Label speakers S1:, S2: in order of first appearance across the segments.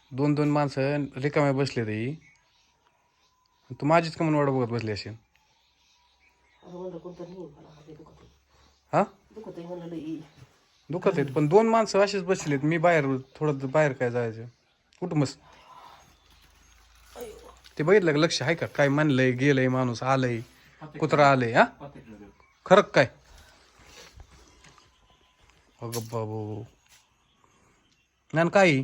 S1: दोन दोन माणसं रिकामे बसले ते तू माझीच कमून वाट बघत बसली असेल. हा दुखत आहेत पण दोन माणसं असेच बसलेत. मी बाहेर थोडं बाहेर काय जायचं कुठं मस्त ते बघितलं का लक्ष आहे का काय म्हणलंय गेलंय माणूस आलंय कुत्रा आलंय. हा खरं काय अगं बाबू नान काय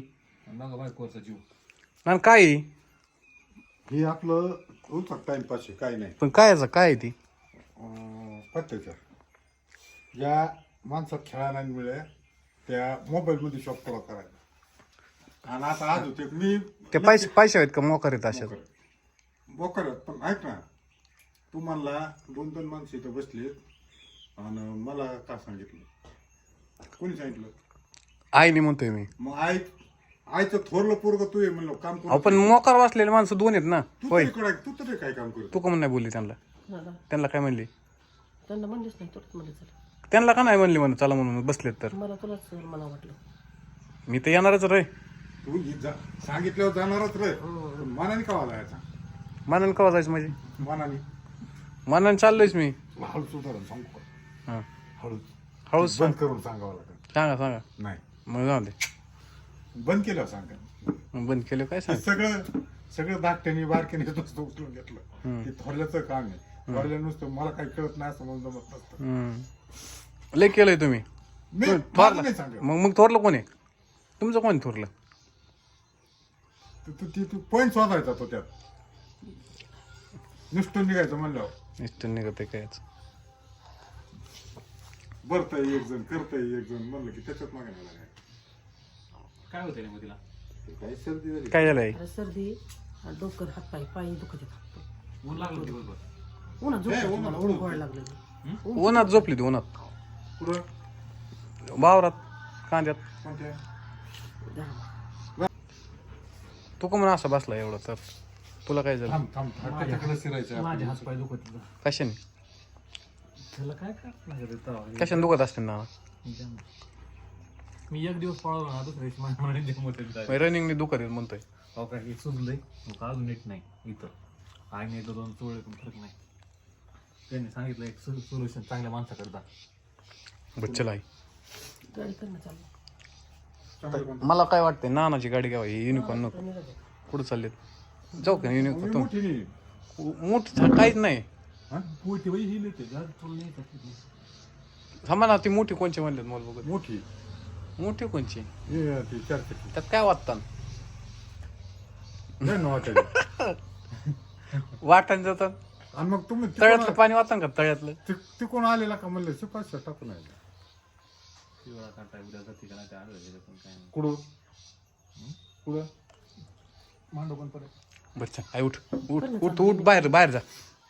S1: नान काय
S2: हे आपलं उलट टाइमपास आहे, काही नाही.
S1: पण कायचं काय ती
S2: पत्त्याचं ज्या माणसात खेळायला मिळे त्या मोबाईलमध्ये शॉप पुरा करायला. आणि आता आज होते मी
S1: ते पैसे आहेत का मोकार आहेत अशा
S2: बोकर पण ऐक ना, तू म्हणला दोन दोन माणसं इथं बसलीत आणि मला का सांगितलं, कोणी सांगितलं?
S1: आईने म्हणतोय मी.
S2: मग आईचं थोरलं पोरग तू आहे म्हणलं काम करू.
S1: पण मोकार वाचलेले माणसं दोन आहेत ना. होय
S2: तू तरी काय काम करू.
S1: तू का नाही बोलली त्यांना? त्यांना काय म्हणली?
S3: त्यांना म्हणलीच नाही तुलाच म्हणले चला.
S1: त्यांना का नाही म्हणली म्हणून चला म्हणून बसलेत तर?
S3: मला तुलाच मला वाटलं
S1: मी तर येणारच रे.
S2: तू सांगितल्यावर जाणारच रे. मनाने का जायचा?
S1: मानानं कवा जायचं म्हणजे?
S2: मनाने
S1: मानानं चाललोयच मी.
S2: हळूच उदाहरण सांगू का?
S1: हा
S2: हळूच
S1: हळूच
S2: बंद करून सांगावं लागेल.
S1: सांगा
S2: नाही
S1: मग जाऊ दे.
S2: बंद केलं सांगा.
S1: मग बंद केलं काय सांग.
S2: सगळं धाकट्याने बारक्याने नुसतं उचलून घेतलं. ते थोरल्याचं काम आहे. थोरल्या नुसतं मला काही कळत नाही असं म्हणून जमत नसतं.
S1: लय केलंय तुम्ही.
S2: माझं नाही सांगत.
S1: मग थोरलं कोण आहे तुमचं? कोण थोरलं?
S2: तू पॉईंट शोधायचा तो त्यात नुसतं निघायचं म्हणल्यावर
S1: इष्ट निघत कायच.
S2: बरतय एक जण करतय एक जण म्हणलं की त्याच्यात मागे नाही लागायचं.
S4: काय होतं मग तिला?
S2: काही सर्दी झाली.
S1: काय झालंय?
S3: अरे सर्दी आणि डोकर हात पाय दुखत येतात.
S4: ऊन लागलं दिवसभर.
S3: उन्हात झोपायचं मला ऊन गोड लागलं.
S1: उन्हात झोपली ती उन्हात
S2: पुढं
S1: वावरात कांद्यात.
S2: कोणत्या
S1: तू का म्हणून असा बसला एवढं तर तुला काय झालं?
S2: थांब त्याच्याकडे शिरायचं.
S4: माझे हात पाय दुखत होते.
S1: कशाने
S4: त्याला काय लागत
S1: कशाने दुखत असते ना?
S4: मी एक दिवस पळवला ना दुसऱ्या दिवशी माझ्या मनाने जम होते.
S1: रनिंगने दुखत येत म्हणतोय.
S4: हो काय हे सुजलंय मग अजून नीट नाही इथं आईने एकदा दोन चोळे पण फरक नाही. त्यांनी सांगितलं एक सोल्युशन चांगल्या माणसाकडे जा.
S1: बच्चल आई
S3: गाडी करणं चालू.
S1: मला काय वाटतंय नानाची गाडी घ्यावा. युनिकॉर्न नको. कुठं चाललेत? जाऊ का युनिकॉर्न?
S2: मोठी नाही.
S1: मोठी काहीच नाही.
S4: मोठी बाई ही नेते तुला नाही.
S1: थांबा ना ती मोठी कोणची म्हणतात मला बघत.
S2: मोठी
S1: मोठी कोणची?
S2: ती 4 चक्की
S1: त्यात काय वाटतं? वाटण जातात
S2: आणि मग तुम्ही
S1: तळ्यातलं पाणी वाटतं का? तळ्यातलं
S2: तिकडून आलेला का म्हणलं शिपाशी टाकून आहे.
S4: पिवळा काटा उद्या जाते का नाही ते आढळले पण काय नाही.
S2: कुठं मांडव पण परत.
S1: बच्चा आई उठ उठ उठ उठ बाहेर जा.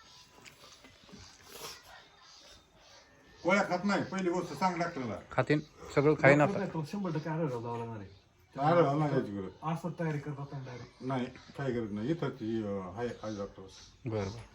S2: गोळ्या खात नाही पहिली गोष्ट सांग डॉक्टरला.
S1: खातीन सगळं खाईन आता.
S4: 100% आढळ जावं लागणार आहे.
S2: आढळ नाही यायची गरज
S4: असं तयारी करतात डायरेक्ट.
S2: नाही काही गरज नाही. इथं ती आहे डॉक्टर.
S1: बरं